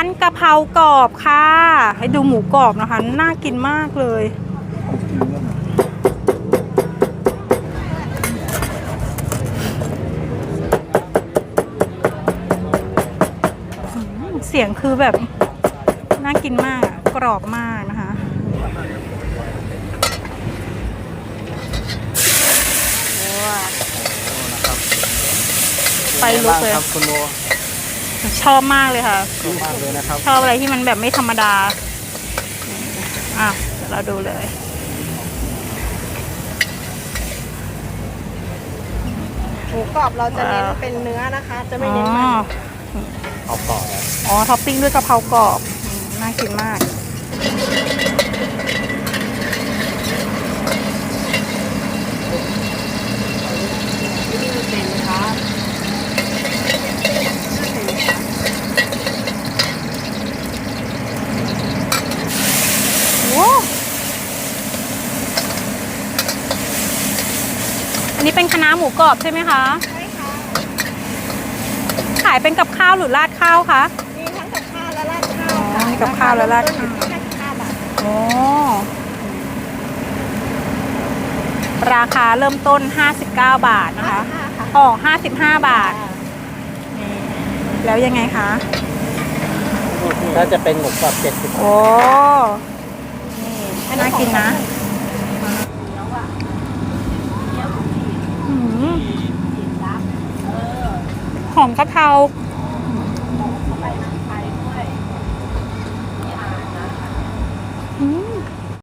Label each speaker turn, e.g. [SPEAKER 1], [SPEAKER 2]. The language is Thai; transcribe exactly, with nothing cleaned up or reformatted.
[SPEAKER 1] กะเพรากรอบค่ะให้ดูหมูกรอบนะคะน่ากินมากเลยเสียงคือแบบน่ากินมากกรอบมากนะคะไปลุกเลย
[SPEAKER 2] ครับคุณโบ
[SPEAKER 1] ชอบมากเลยค่ะ
[SPEAKER 2] ชอบมากเลยนะครับ
[SPEAKER 1] ชอบอะไรที่มันแบบไม่ธรรมดาอ่ะเดี๋ยวเราดูเลย
[SPEAKER 3] หมูกรอบเราจะเน้นเป็นเนื้อนะคะ จะไม่เน้นมัน
[SPEAKER 2] เอาต่อนะ
[SPEAKER 1] อ๋อท็อปปิ้งด้วยกะเพรากรอบน่ากินมากอันนี้เป็นคะน้าหมูกรอบใช่ไหมคะ
[SPEAKER 3] ใช่ค่ะ
[SPEAKER 1] ขายเป็นกับข้าวหรือราดข้าวคะ
[SPEAKER 3] มีทั้งกับข้าวและราดข้าว
[SPEAKER 1] อ๋อมีกับข้าวและราดข้าว
[SPEAKER 3] แค่สิบห้าบาท
[SPEAKER 1] โอ้ราคาเริ่มต้นห้าสิบเก้าบาทนะคะอ๋อห้าสิบห้าบาทนี่แล้วยังไงคะ
[SPEAKER 2] น่าจะเป็นหมูกรอบเจ็ดสิบ
[SPEAKER 1] โอ้นี่น่ากินนะหอมกะเพรา